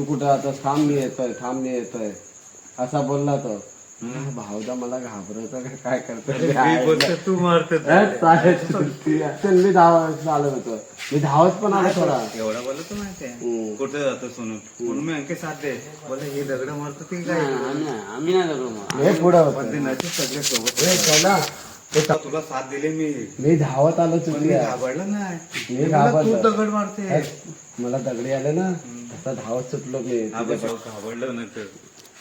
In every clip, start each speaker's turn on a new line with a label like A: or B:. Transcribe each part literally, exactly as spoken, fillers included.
A: तू कुठं आता थांब मी येतोय थांब मी येतोय असा बोलला तो. भाऊदा मला घाबरवतो का काय करतो
B: तू मारतो
A: मी धावत चालत होतो मी धावत पण आलो थोडा
B: एवढा बोलत तू माहितीये कुठे जातो सोनून म्हणून मी अंके साथ दे बोले हे दगड मारतो ते काय
C: आम्ही नाही दगड
A: हे पुढं
B: पण ते नशीब सगळे सोबत
A: हे चला
B: तुला साथ दिले मी
A: मी धावत आलो
B: पण मी
A: चुकल्या
B: घाबरलं नाही
A: मी
B: मला तू
A: घाबरलो
B: दगड मारते
A: मला दगडी आले ना आता धावत सुटलो मी
B: घाबरलं नाही तर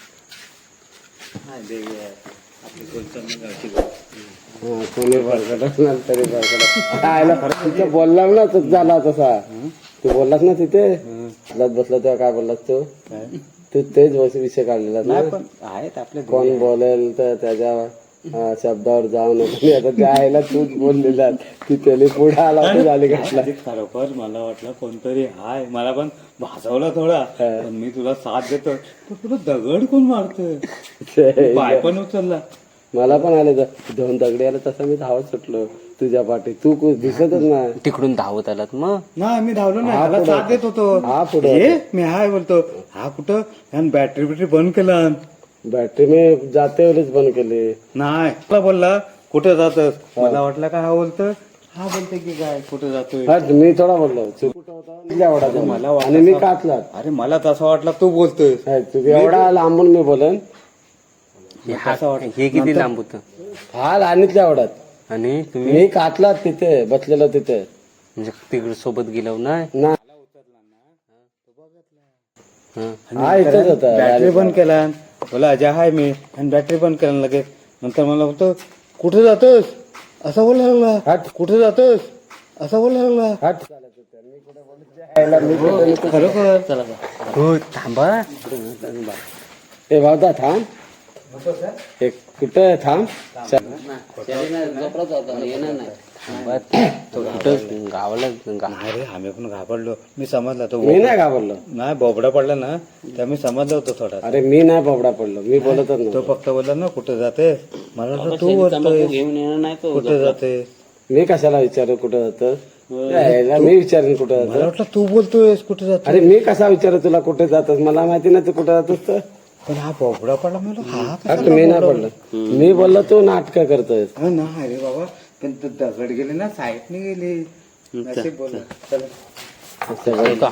B: आपली कोणत्या गावची
A: हा कोणी भरकटच नाही तरी भरकट तिथं बोलला ना तू झाला तसा तू बोललास ना तिथे बसला तेव्हा काय बोललास तू तू तेच विषय काढलेला ना
C: पण आहेत आपले
A: कोण बोलेल तर त्याच्या शब्दावर जाऊ नको आता त्या आईला तूच बोललेला की त्याने पुढे आला तर झाली घातला
B: खरोखर मला वाटलं कोणतरी हाय मला पण भाजवला थोडा पण मी तुला साथ देतो तर तुला दगड कोण मारतोय पाय पण उचलला
A: मला पण आले दोन दगडी आले तसं मी धावत सुटलो तुझ्या पाठी तू दिसतच ना
C: तिकडून धावत आलात मग
B: नाही मी धावलो नाही त्याला साथ देत होतो
A: हा पुढे
B: हे मी हाय बोलतो हा कुठं ह्यान बॅटरी बिटरी बंद केला
A: बॅटरी मी जाते वेळेस बंद केली
B: नाही तुला बोलला कुठे जातस मला वाटलं का हा बोलतो हा बोलते की काय कुठे जातोय
A: हा मी थोडा बोललो कुठं होता एवढा
B: मला
A: आणि मी काचला
B: अरे मला तसं वाटलं तू बोलतोय
A: तू एवढा लांबून मी बोलन
C: हे किती लांब होत
A: हा लहानीतल्या एवढ्यात
C: आणि तुम्ही
A: मी काचला तिथे बसलेलो तिथे
C: म्हणजे तिकडे सोबत गेलो नाही
A: ना हा इथेच होता
B: बॅटरी बंद केला बोला अजय हाय मी आणि बॅटरी बंद केला लगेच नंतर मला बोलतो कुठे जातोस असं बोलायला लागला
A: हट
B: कुठे जातोस असं बोलायला लागला
A: हट मी कुठे
B: खरोखर चला
C: हो थांबा
A: ए भावता थांब एक कुठं थांब
C: थांबा तो कुठं गावाला गा-
B: नाही रे आम्ही पण घाबरलो मी समजला तो
A: मी नाही घाबरलो
B: नाही बोबडा पडला ना त्या मी समजलं होतं थोडा
A: अरे मी नाही बोबडा पडलो मी बोलतच
B: तो
A: नव्हतो
B: फक्त बोलला ना कुठे जाते मला वाटलं तू बोलतोय
C: घेऊन येणार नाही तो
B: कुठे जाते
A: मी कशाला विचारू कुठं जातं यायला मी विचारेन कुठं
B: मला
A: जातं
B: वाटलं तू बोलतोयस कुठे जाते
A: अरे मी कसा विचारू तुला कुठे जातस मला माहिती नाही तू कुठं जातोस तर
B: पण हा बोबडा पडला मला हा
A: अरे मी नाही पडलो मी बोललो तू नाटक करतोय
B: हा नाही रे बाबा पण तू दगड गेले ना साईडने गेले नशीब बोल चला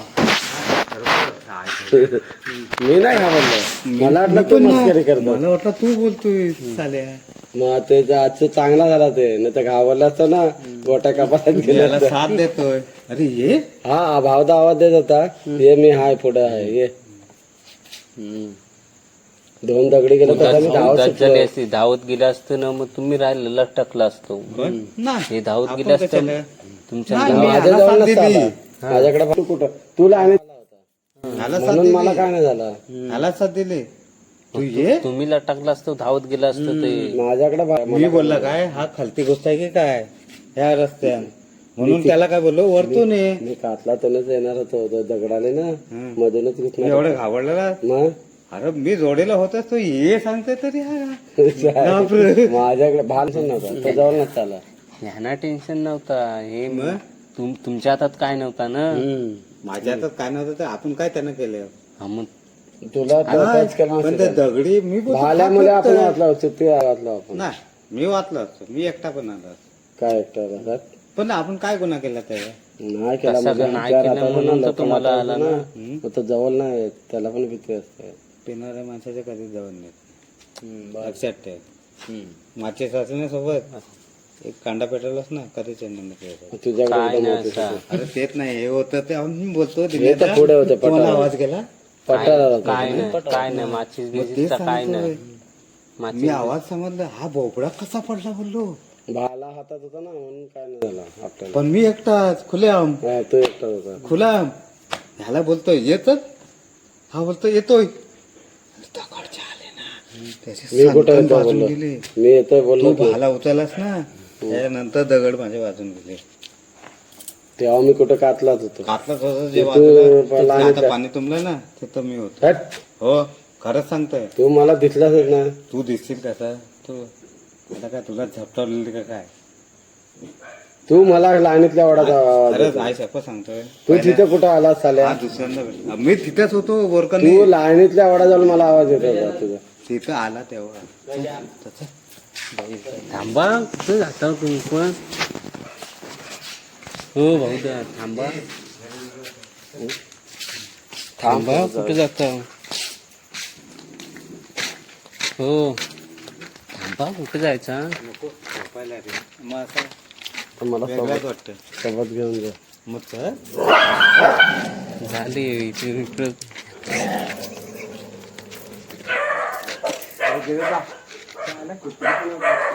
A: मी नाही घाबरलो मला वाटलं तू मस्करी करतो
B: मला वाटलं तू बोलतोय साल्या
A: मग ते आजचं चांगला झाला ते नाही तर घाबरला असतो ना गोट्या कपासात गेला
B: याला साथ देतोय अरे ये
A: हा भावदा आवाज देत होता ये मी हाय पुढे आहे ये दोन दगडी गेलो तसा मी धावत
C: धावत
A: सुटलो.
C: झाली असती धावत गेला असतं ना मग तुम्ही राहिलं लटकला असतो
B: नाही
C: हे धावत गेलं असतं तुमच्या
B: नाही, मी
A: माझ्या
B: ह्याला
A: जवळ
B: साथ
A: नसता
B: दिली.
A: आला. माझ्याकडे तू कुठं तुला आणि
B: ह्याला साथ
A: म्हणून मला
B: दिली
A: काय नाही झालं
B: ह्याला साथ दिली तू ये
C: तुम्ही लटकला असतो धावत गेला असतं ते
A: माझ्याकडे बा-
B: मी बोलला काय हा खालती गोष्ट आहे की काय ह्या रस्त्यान म्हणून त्याला काय बोललो वरतून ये
A: मी कातला तोच येणार होतो तो दगडाले ना मधूनच घुसणार
B: एवढं घाबरलेला
A: मग
B: अरे मी जोडीला होतास तो ये सांगते तरी हा बापरे.
A: माझ्याकडे भान नव्हता तो जवळ नसता आला
C: ह्यांना टेन्शन नव्हता हे तुम- तुमच्या हातात काय नव्हता ना
B: माझ्या हातात काय नव्हतं तर आपण काय त्यानं केलं
C: हा मग
A: तुला टच केलं
B: पण ते दगडी मी बोलतो,
A: भाल्यामुळे
B: हा
A: आपण
B: फक्त-
A: वाचला चुप्पी वाचलो आपण
B: नाही मी वाचलो असतो मी एकटा पण आला असतो.
A: काय एकटा
B: पण आपण काय गुन्हा केला त्याला
A: नाही केला म्हणजे
C: नाही
A: आमच्या
C: केलं
A: हाताला
C: म्हणून
A: ना
C: तर तुम्हाला
A: लोकांना
C: आला
A: ना
C: ना.
A: मग तो जवळ नाही येत, त्याला पण भीती असते
B: पिणाऱ्या माणसाच्या कधी जवळ नाही लक्षात ठेव मागच्या सासूने सोबत एक कांदा पेटवलास ना कधी चंदन
C: काय
A: तुझ्याकडे
C: नाही असं.
B: अरे तेच नाही हे होतं ते आम्ही बोलतो
A: हे तर पुढे होते
B: तुम्हाला
A: पटाला
B: आवाज गेला
A: पटाला
C: काय नाही काय नाही माचीस
B: मग तेच
C: बिचीसचा काय
B: सांगतोय.
C: नाही
B: मी
C: माचीस
B: आवाज समजला हा भोपळा कसा पडला बोललो
A: भाला हातात होता ना म्हणून काय नाही झालं आपल्याला
B: पण मी एकटाच खुल्याम
A: हा, तो एकटा होता
B: खुलाम ह्याला बोलतोय येतच हा बोलतोय येतोय दगडचे आले ना त्याचे
A: मी कुठं
B: सणकण
A: येतो
B: वाजून
A: बोललो
B: गेले
A: मी येतोय बोललो
B: तू भाला उचललास ना त्यानंतर दगड माझे वाजून गेले
A: तेव्हा मी कुठं कातलाच होतो
B: कातलाच होतं जे
A: तू
B: वाजलं
A: पहिला
B: तिथं
A: आणि
B: आता पाणी तुंबलं ना तिथं मी होतो
A: हट,
B: हो खरंच सांगतोय
A: तू मला दिसलाच ना
B: तू दिसशील कसा तू आता काय तुला झपटवलेली का काय
A: तू मला लाईनीतल्या वडाचा आवाज
B: अरे
A: देतो.
B: काय शपथ सांगतोय
A: तू तिथे कुठं आलास साल्या
B: हा दुसऱ्यांदा भेटला. मी तिथेच होतो बोरकर
A: तू लाईनीतल्या वडा जाऊन मला आवाज येत होता तुझा.
B: तिथं आला तेव्हा
C: थांबा कुठं जाता तुम्ही पण हो भाऊ दा थांबा थांबा कुठे जाता हो थांबा कुठे जायचा
B: नको झोपायला रे मग असं
A: तर मला
B: वेगळंच
A: सोबत
B: वाटतं
A: सोबत घेऊन जा.
B: मग चल.
C: झाली इथे इकडं
B: अरे गेलं जा. चालेल, कुठे